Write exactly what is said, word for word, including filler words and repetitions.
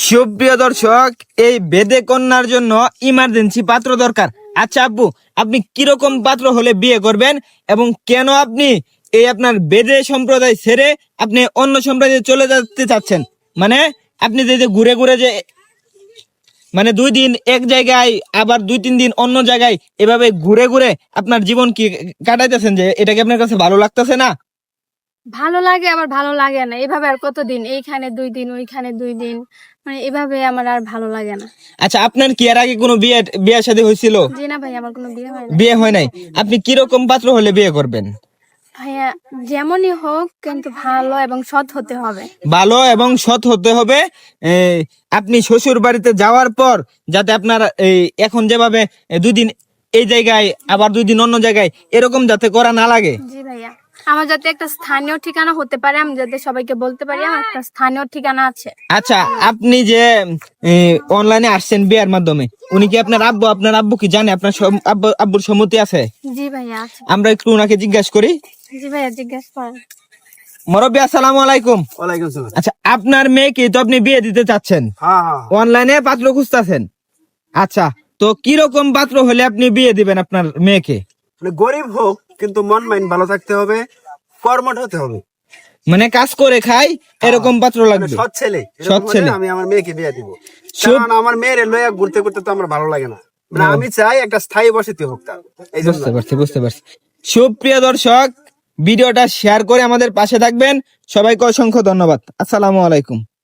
সুপ্রিয় দর্শক, এই বেদে কন্যার জন্য ইমার্জেন্সি পাত্র দরকার। আচ্ছা আব্বু, আপনি কিরকম পাত্র হলে বিয়ে করবেন এবং কেন আপনি এই আপনার বেদে সম্প্রদায় ছেড়ে আপনি অন্য সম্প্রদায়ে চলে যেতে চাচ্ছেন? মানে আপনি যে যে ঘুরে ঘুরে যে মানে দুই দিন এক জায়গায় আবার দুই তিন দিন অন্য জায়গায় এভাবে ঘুরে ঘুরে আপনার জীবন কি কাটাইতেছেন, যে এটা কি আপনার কাছে ভালো লাগতেছে না? ভালো লাগে আবার ভালো লাগে না। এভাবে আর কতদিন, এইখানে দুই দিন ওইখানে দুই দিন, মানে এভাবে আমার আর ভালো লাগে না। আচ্ছা, আপনার কি এর আগে কোনো বিয়ে বিয়ে শাদী হয়েছিল? জি না ভাই, আমার কোনো বিয়ে হয় না। বিয়ে হয় নাই। আপনি কিরকম পাত্র হলে বিয়ে করবেন? ভাইয়া যেমনই হোক, কিন্তু ভালো এবং সৎ হতে হবে। ভালো এবং সৎ হতে হবে। এ, আপনি শ্বশুর বাড়িতে যাওয়ার পর যাতে আপনার এই এখন যেভাবে এ, দুই দিন এই জায়গায় আবার দুই দিন অন্য জায়গায় এরকম যাতে করা না লাগে। জি ভাইয়া, আমার যাতে একটা স্থানীয় ঠিকানা হতে পারে, আমি যাতে সবাইকে বলতে পারি আমার একটা স্থানীয় ঠিকানা আছে। আচ্ছা, আপনি যে অনলাইনে আসছেন বিয়ের মাধ্যমে, উনি কি আপনার আব্বু? আপনার আব্বু কি জানে আপনার সম- আব্বু আব্বুর সম্মতি আছে? জি ভাইয়া আছে। আমরা একটু ওনাকে জিজ্ঞাসা করি। জি ভাইয়া জিজ্ঞাসা করেন। মুরব্বি, আসসালামু আলাইকুম। ওয়ালাইকুম সালাম। আচ্ছা, আপনার মেয়েকে তো আপনি বিয়ে দিতে চাচ্ছেন, হ্যাঁ হ্যাঁ অনলাইনে পাত্র খুঁজতেছেন। আচ্ছা, তো কিরকম পাত্র হলে আপনি বিয়ে দিবেন আপনার মেয়েকে? মানে গরিব হোক কিন্তু মন মাইন্ড ভালো থাকতে হবে, কর্মঠ হতে হবে, মানে কাজ করে খাই এরকম পাত্র মানে লাগবে। সৎ ছেলে। এরকম সৎ হলে ছেলে। আমি আমার মেয়েকে বিয়ে দিব। সব- কারণ আমার মেয়ের লয়া ঘুরতে ঘুরতে তো আমার ভালো লাগে না। মানে ও। আমি চাই একটা স্থায়ী বসতি হোক তার, এই জন্য। বুঝতে পারছি বুঝতে পারছি সুপ্রিয় দর্শক, ভিডিওটা শেয়ার করে আমাদের পাশে থাকবেন। সবাইকে অসংখ্য ধন্যবাদ। আসসালামু আলাইকুম।